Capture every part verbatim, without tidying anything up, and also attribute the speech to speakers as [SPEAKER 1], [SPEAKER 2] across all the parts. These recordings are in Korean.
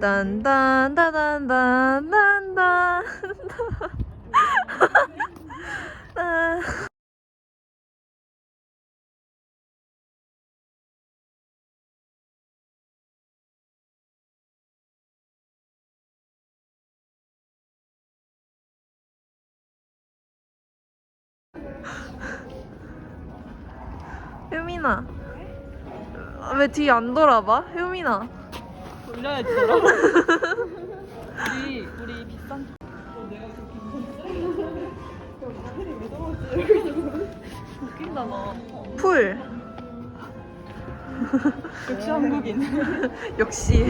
[SPEAKER 1] 딴딴따단딴딴딴. 효민아, 왜 뒤 안 돌아봐? 효민아.
[SPEAKER 2] 돌려야지 너랑. 우리 우리 비싼. 어, 내가 그렇게 웃었어? 왜 저러지? 웃긴다 너.
[SPEAKER 1] 풀.
[SPEAKER 2] 역시 한국인.
[SPEAKER 1] 역시.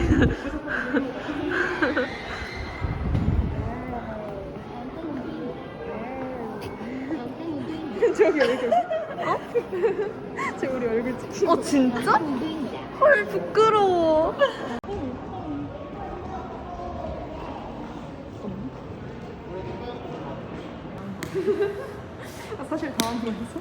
[SPEAKER 2] 저기 얼굴. 어? 저 우리 얼굴 찍힌.
[SPEAKER 1] 어 진짜? 헐 부끄러워.
[SPEAKER 2] 아, 사실 당한 거였어?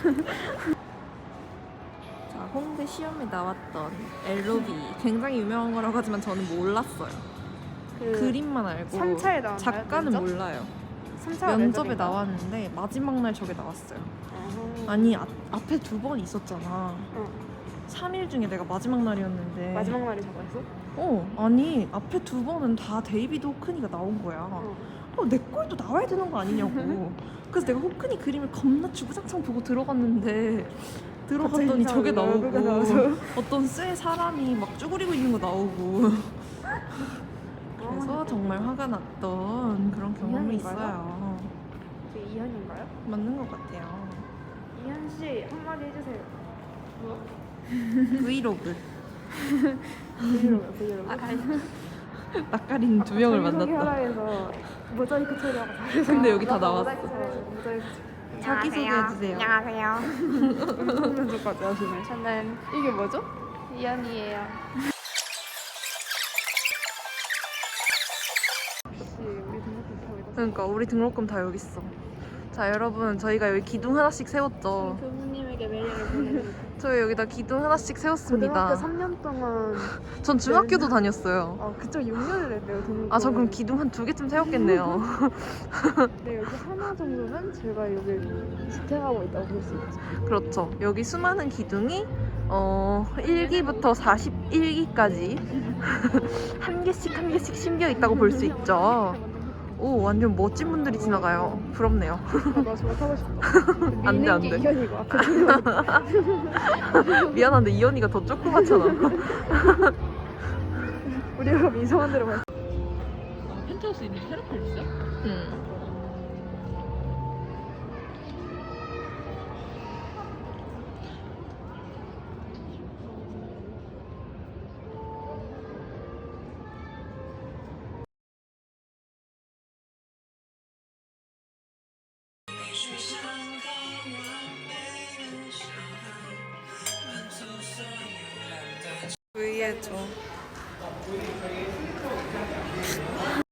[SPEAKER 1] 자, 홍대 시험에 나왔던 엘로비 굉장히 유명한 거라고 하지만 저는 몰랐어요.
[SPEAKER 2] 그
[SPEAKER 1] 그림만 알고
[SPEAKER 2] 삼 차에 나왔나요?
[SPEAKER 1] 작가는
[SPEAKER 2] 면접?
[SPEAKER 1] 몰라요.
[SPEAKER 2] 삼 차
[SPEAKER 1] 면접에 나왔는데 마지막 날 저게 나왔어요. 아니 아, 앞에 두 번 있었잖아.
[SPEAKER 2] 어.
[SPEAKER 1] 삼 일 중에 내가 마지막 날이었는데
[SPEAKER 2] 마지막 날에 잡았어?
[SPEAKER 1] 어 아니 앞에 두 번은 다 데이비드 호크니가 나온 거야.
[SPEAKER 2] 어.
[SPEAKER 1] 어, 내 꼴도 나와야 되는 거 아니냐고. 그래서 내가 호크니 그림을 겁나 주구장창 보고 들어갔는데 들어갔더니 저게 나오고 어떤 쇠 사람이 막 쭈그리고 있는 거 나오고 그래서 정말 화가 났던 그런 경험이
[SPEAKER 2] 이현인가요?
[SPEAKER 1] 있어요.
[SPEAKER 2] 그 이현인가요?
[SPEAKER 1] 맞는 것 같아요.
[SPEAKER 2] 이현 씨 한마디 해주세요. 뭐?
[SPEAKER 1] 브이로그.
[SPEAKER 2] 브이로그 브이로그. 아,
[SPEAKER 1] 낯가린 두 명을 만났다.
[SPEAKER 2] 자기소개하라에서 모자이크 처리하고 다.
[SPEAKER 1] 근데 여기 다 나왔어.
[SPEAKER 2] 모자이크 처리. 모자이크 처리.
[SPEAKER 1] 자기소개해주세요.
[SPEAKER 3] 안녕하세요.
[SPEAKER 2] 면접까지 하시네.
[SPEAKER 3] 저는
[SPEAKER 2] 이게 뭐죠?
[SPEAKER 3] 이연이에요.
[SPEAKER 2] 혹시 우리 등록금 다 여기다.
[SPEAKER 1] 그러니까 우리 등록금 다 여기 있어. 자 여러분 저희가 여기 기둥 하나씩 세웠죠.
[SPEAKER 3] 교수님에게 메일을 보내드릴게요.
[SPEAKER 1] 저희 여기다 기둥 하나씩 세웠습니다.
[SPEAKER 2] 고등학교 삼 년 동안
[SPEAKER 1] 전 중학교도 다녔어요.
[SPEAKER 2] 아 그쪽 육 년을 했네요 등록금.
[SPEAKER 1] 아 전 그럼 기둥 한 두 개쯤 세웠겠네요.
[SPEAKER 2] 네 여기 하나 정도는 제가 여기 지탱하고 있다고 볼 수 있죠.
[SPEAKER 1] 그렇죠. 여기 수많은 기둥이 어 일 기부터 사십일 기까지 한 개씩 한 개씩 심겨 있다고 볼 수 있죠. 오 완전 멋진 분들이 지나가요. 부럽네요.
[SPEAKER 2] 아, 나 저거 타고 싶다.
[SPEAKER 1] 안 돼, 안
[SPEAKER 2] 미는
[SPEAKER 1] 돼.
[SPEAKER 2] 게 이현이고 앞에 이현이.
[SPEAKER 1] 미안한데 이현이가 더 조그맣잖아.
[SPEAKER 2] 우리가 그럼 이상한 데로 갈. 아, 펜트하우스 있는 테라플 있어?
[SPEAKER 1] 응. V해줘.